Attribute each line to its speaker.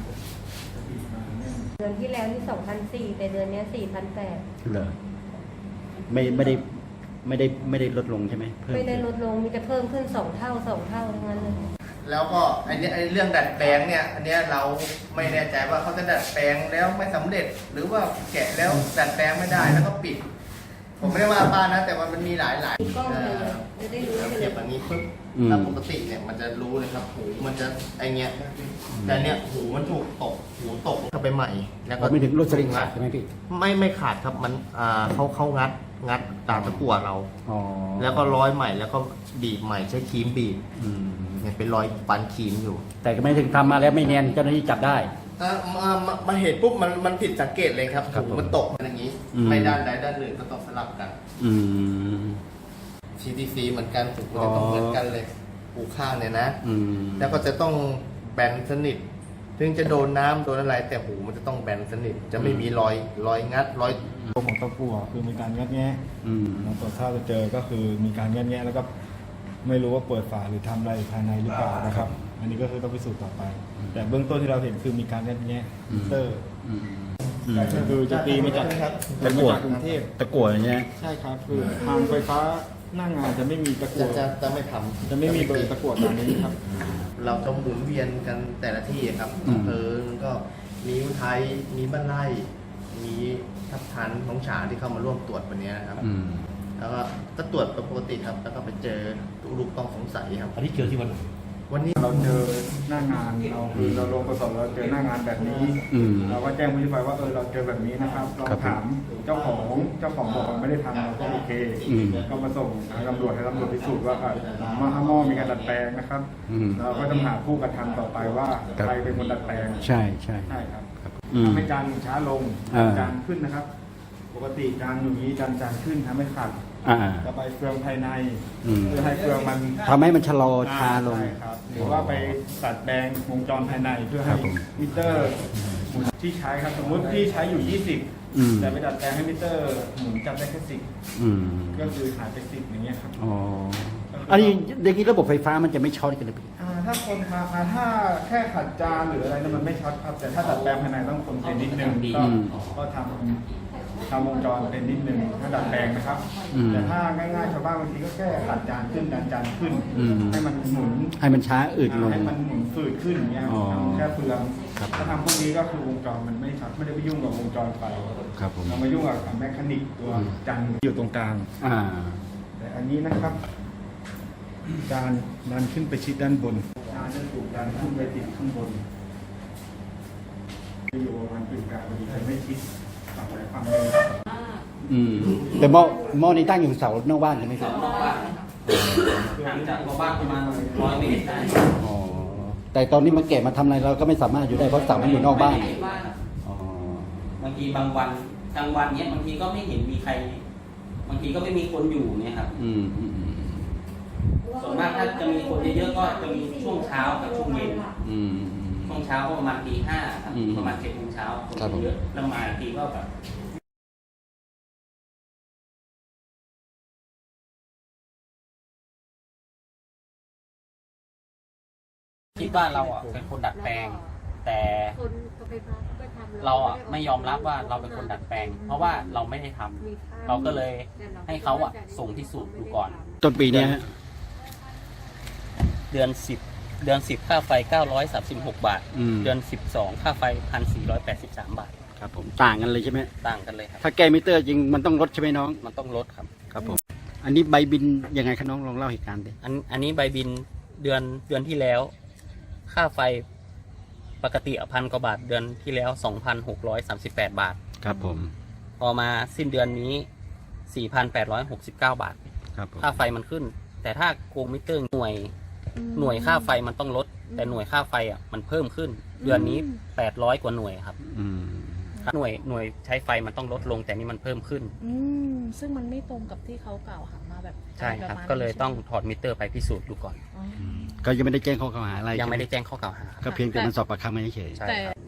Speaker 1: เดือนที่แล้วนี่2,400แต่เดือนนี้4,800
Speaker 2: เหรอไม่ได้ลดลงใช่ไหม
Speaker 1: ไม่ได้ลดลงมีแต่เพิ่มขึ้น2 เท่าทั้งนั้นเลย
Speaker 3: แล้วก็ไอ้เรื่องดัดแปลงเนี่ยอันเนี้ยเราไม่แน่ใจว่าเขาจะดัดแปลงแล้วไม่สำเร็จ หรือว่าแกะแล้วดัดแปลงไม่ได้แล้วก็ปิด ผมไม่ได้ว่าป้านะแต่ว่ามันมีหลาย
Speaker 1: กล้องเลยจะได้รู้
Speaker 3: เทียบอันนี้ปึ๊บถ้าปกติเนี่ยมันจะรู้เลยครับหูมันจะไอเงี้ยแต่เนี่ยหูมันถูกตกหูตกเข้าไปใหม่แล้วก็
Speaker 2: ไม่ถึงรถสลิงขาดใช่ไหมพี่
Speaker 3: ไม่ขาดครับมันเขางัดตามตะกั่วเราแล้วก็ร้อยใหม่แล้วก็บีบใหม่ใช้ครีมบีบเนี่ยเป็นรอยฟันครีมอยู่
Speaker 2: แต่ก็ไม่ถึงทำมาแล้วไม่เนียนเจ้าหน้าที่จับได้
Speaker 3: มาเห็นปุ๊บมันผิดสังเกตเลยครับหูมันตกอย่างนี้ไม่ด้านใดด้านหนึ่งก็ต้องสลับกันCTC เหมือนกันหูจะต้องเหมือนกันเลยหูข้างเนี่ยนะแล้วก็จะต้องแบนสนิทถึงจะโดนน้ำโดนอะไรแต่หูมันจะต้องแบนสนิทจะไม่มีรอยงัดรอย
Speaker 4: ตัวของตะกั่วคือมีการงัดแงะเราตรวจถ้าเจอก็คือมีการงัดแงะแล้วก็ไม่รู้ว่าเปิดฝาหรือทำอะไรภายในหรือเปล่านะครับอันนี้ก็คือต้องพิสูจน์ต่อไปแต่เบื้องต้นที่เราเห็นคือมีการงัดแงะเตอร์ก็คือจะตีมาจากกรุงเทพ
Speaker 2: ตะกั่วอย่างเงี้ย
Speaker 4: ใช่ครับคือทางไฟฟ้าหน้างานจะไม่มีตะกั่ว
Speaker 3: จะไม่ทำ
Speaker 4: จะไม่มีเบอร์ตะกั่วตามนี้ครับ
Speaker 3: เราจะหมุนเวียนกันแต่ละที่ครับมันก็มีอุทัยมีบ้านไร่มีทับทันของฉางที่เข้ามาร่วมตรวจวันนี้นะครับแล้วก็ตรวจปกติครับแล้วก็ไปเจอลูกต้องสงสัยครับ
Speaker 2: อันนี้เจอที่
Speaker 4: วันนี้เราเจอหน้างานเราลงประสบเราเจอหน้างานแบบนี้เราก็แจ้งผู้ที่ไปว่าเราเจอแบบนี้นะครับเราถามเจ้าของบอกว่าไม่ได้ทำเราก็โอเคก็มาส่งทางตำรวจให้ตำรวจพิสูจน์ว่าหม้อมีการดัดแปลงนะครับเราก็จะหาผู้กระทำต่อไปว่าใครเป็นคนดัดแปลง
Speaker 2: ใช่
Speaker 4: ครับทำให้จานช้าลงจานขึ้นนะครับปกติจานอยู่นี้จานขึ้นทำให้ขาดระบายเฟืองภายในเพื่อให้เฟืองมัน
Speaker 2: ทำให้มันชะลอช้าลง
Speaker 4: หรือว่าไปตัดแปลงวงจรภายในเพื่อให้มิเตอร์หมุนที่ใช้ครับสมมติที่ใช้อยู่20แต่ไปดัดแปลงให้มิเตอร์หมุนจับได้แค่10ก็คือหายไป10อย่างเงี้ยครับ
Speaker 2: อันนี้อย่างนี้ระบบไฟฟ้ามันจะไม่ช็อตกันหรือเปล่า
Speaker 4: ถ้าคนถ้าแค่ขัดจานหรืออะไรนั้นมันไม่ช็อตครับแต่ถ้าดัดแปลงภายในต้องคนเป็นนิดนึงก็ทำวงจรเป็นนิดนึงถ้าดัดแปลงนะครับแต่ถ้าง่ายๆชาวบ้านบางทีก็แค่ขัดจานขึ้นดันจานขึ้นให้มันหมุน
Speaker 2: ให้มันช้าอืดลง
Speaker 4: ให้มันหมุนฝืดขึ้นอย่างเงี้ยแค่เฟืองถ้าทำพวกนี้ก็คือวงจรมันไม่ช็อตไม่ได้ไปยุ่งกับวงจรไฟเรามายุ่งกับแมคานิกตัวจานอยู่ตรงกลางแต่อันนี้นะครับจานดันขึ้นไปชิดด้านบนจานจะถูกดันขึ้นไปติดข้างบนอยู่ประมาณกึ่งกลางพอดีแต่ไม่ชิดฝั่งไหนฝั่งนึง
Speaker 2: แต่หม้อนี้ตั้งอยู่เสานอกบ้านใช่ไหมครับ
Speaker 5: นอกบ้านห่างจากบ้านประมาณ100 เมตรได้
Speaker 2: แต่ตอนนี้มาแกะมาทำอะไรเราก็ไม่สามารถอยู่ได้เพราะเสามันอยู่นอกบ้าน
Speaker 5: บางทีบางวันกลางวันเนี้ยบางทีก็ไม่เห็นมีใครบางทีก็ไม่มีคนอยู่เนี่ยครับส่วนมากถ้าจะมีคนเยอะๆก็จะมีช่วงเช้ากับช่วงเย็นช่วงเช้าก็ประมาณตี 5ครับประมาณ7 โมงเช้าคนเยอะแล้วมาทีก็แบบคิดว่าเราเป็นคนดัดแปลงแต่เราไม่ยอมรับว่าเราเป็นคนดัดแปลงเพราะว่าเราไม่ได้ทำเราก็เลยให้เขาส่งพิสูจน์ดูก่อน
Speaker 2: ต้นปีนี้
Speaker 5: เดือน10ค่าไฟ936 บาทเดือน12ค่าไฟ1,483 บาท
Speaker 2: ครับผมต่างกันเลยใช่ไหม
Speaker 5: ต่างกันเลยครับ
Speaker 2: ถ้าแก้มิเตอร์จริงมันต้องลดใช่ไหมน้อง
Speaker 5: มันต้องลดครับ
Speaker 2: ผมอันนี้ใบบินยังไงครับน้องลองเล่าเหตุการณ์ดิ
Speaker 5: อันนี้ใบบินเดือนที่แล้วค่าไฟปกติ1,000 กว่าบาทเดือนที่แล้ว 2,638 บาท
Speaker 2: ครับผม
Speaker 5: พอมาสิ้นเดือนนี้ 4,869 บาท
Speaker 2: ครับ
Speaker 5: ค่าไฟมันขึ้นแต่ถ้าโกงมิเตอร์หน่วยค่าไฟมันต้องลดแต่หน่วยค่าไฟมันเพิ่มขึ้นเดือนนี้800 กว่าหน่วยครับหน่วยใช้ไฟมันต้องลดลงแต่นี่มันเพิ่มขึ้น
Speaker 6: ซึ่งมันไม่ตรงกับที่เขากล่าวหามาแบบ
Speaker 5: ใช่ครับก็เลยต้องถอดมิเตอร์ไปพิสูจน์ดูก่อน
Speaker 2: ก็ยังไม่ได้แจ้งข้อกล่าวหาอะไร
Speaker 5: ยังไม่ได้แจ้งข้อกล่าวหา
Speaker 2: ก็เพียงแต่มันสอบปากคำไม่เฉย
Speaker 6: แต่